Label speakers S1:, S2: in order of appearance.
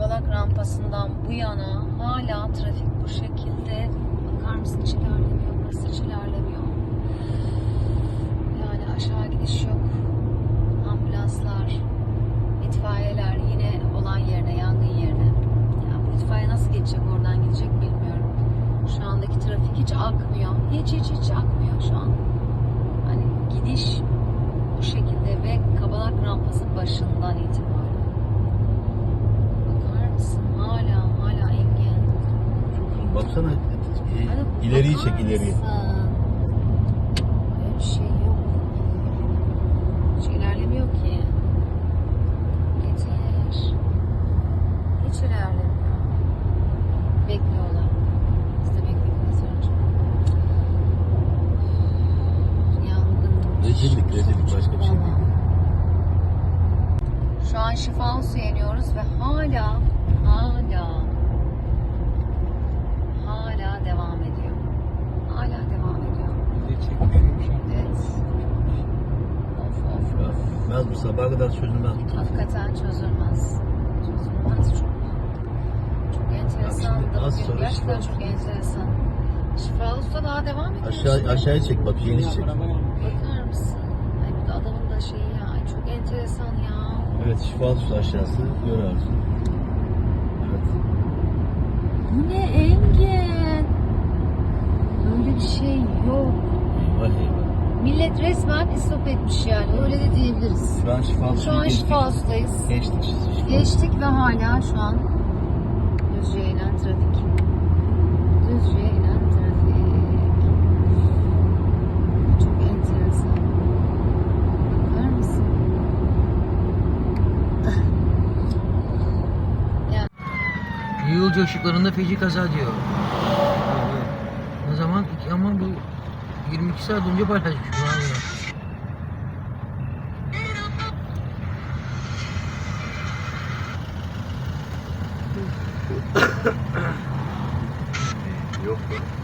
S1: Kavalak rampasından bu yana hala trafik bu şekilde. Bakar mısın, hiç ilerlemiyor. Burası hiç ilerlemiyor. Yani aşağı gidiş yok. Ambulanslar, itfaiyeler yine olan yerine, yangın yerine. Ya bu itfaiye nasıl geçecek, oradan gidecek bilmiyorum. Şu andaki trafik hiç akmıyor. Hiç akmıyor şu an. Hani gidiş bu şekilde ve Kavalak rampası başından itibaren. Bakar mısın? Hala engin.
S2: Baksana
S1: Hani
S2: ileriyi
S1: bakar
S2: çek, ileriyi.
S1: mısın? Böyle bir şey yok. Hiç ilerlemiyor ki. Getir. Hiç ilerlemiyor. Bekliyorlar. Biz de bekliyoruz önce. Yangın.
S2: Rezillik başka bir şey değil.
S1: Şu an Şifahusu'ya iniyoruz ve hala devam ediyor. Hala devam ediyor. Evet. Of.
S2: Bitmez bu, sabaha kadar çözülmez bu.
S1: Hakikaten çözülmez. Çok enteresan.
S2: Bak şimdi az
S1: Bugün
S2: sonra
S1: gerçekten
S2: Şifahusu.
S1: çok enteresan. Şifahusu'da daha devam ediyor.
S2: Aşağıya çek bak, geniş çek.
S1: Bakar mısın? Ay bu da adamın da şeyi ya. Ay çok enteresan ya.
S2: Evet, Şifahusu aşağısı, gör Arzu. Evet.
S1: Bu ne Engin? Böyle bir şey yok.
S2: Eyvah.
S1: Millet resmen istop etmiş yani. Öyle de diyebiliriz.
S2: Şu an Şifahusu'yu
S1: Şu an
S2: geçtik.
S1: Şifahusu'dayız.
S2: Geçtik.
S1: Geçtik ve hala şu an Düzce'ye inen trafik. Düzce'ye inen trafik. Çok enteresan. Bakar mısın?
S3: Yolcu ışıklarında feci kaza diyor. Ne zaman? Ama bu 22 saat önce paylaşmış.
S2: Yok.